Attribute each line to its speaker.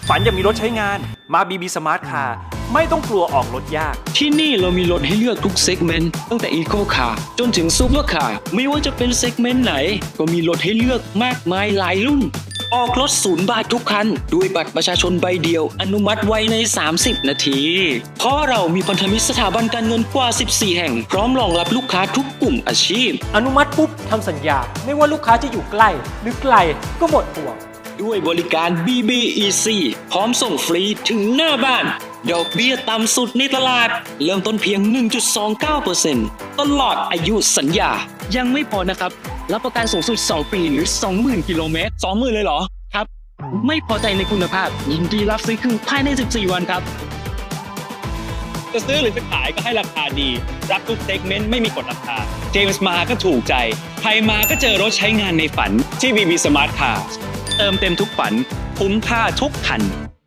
Speaker 1: ฝันอยากมีรถใช้งานมา BB Smart Car ไม่ต้องกลัวออกรถยาก
Speaker 2: ที่นี่เรามีรถให้เลือกทุกเซกเมนต์ตั้งแต่ Eco Car จนถึง Super Car ไม่ว่าจะเป็นเซกเมนต์ไหนก็มีรถให้เลือกมากมายหลายรุ่นออกรถ0 บาททุกคันด้วยบัตรประชาชนใบเดียวอนุมัติไว้ใน30 นาทีเพราะเรามีพันธมิตรสถาบันการเงินกว่า14 แห่งพร้อมรองรับลูกค้าทุกกลุ่มอาชีพ
Speaker 1: อนุมัติปุ๊บทำสัญญาไม่ว่าลูกค้าจะอยู่ใกล้หรือไกลก็หมดห่วง
Speaker 2: ด้วยบริการ BBEC พร้อมส่งฟรีถึงหน้าบ้านดอกเบี้ยต่ำสุดในตลาดเริ่มต้นเพียง 1.29% ตลอดอายุสัญญายังไม่พอนะครับรับประกันสูงสุด2 ปีหรือ 20,000 กิโลเมตร 20,000 เลยเหรอครับไม่พอใจในคุณภาพยินดีรับซื้อคืนภายใน14 วันครับ
Speaker 3: จะซื้อหรือจะขายก็ให้ราคาดีรับทุกเซกเมนต์ไม่มีกฎราคาเจมส์มาก็ถูกใจใครมาก็เจอรถใช้งานในฝันที่ BB Smart Car เติมเต็มทุกฝันคุ้มค่าทุกคัน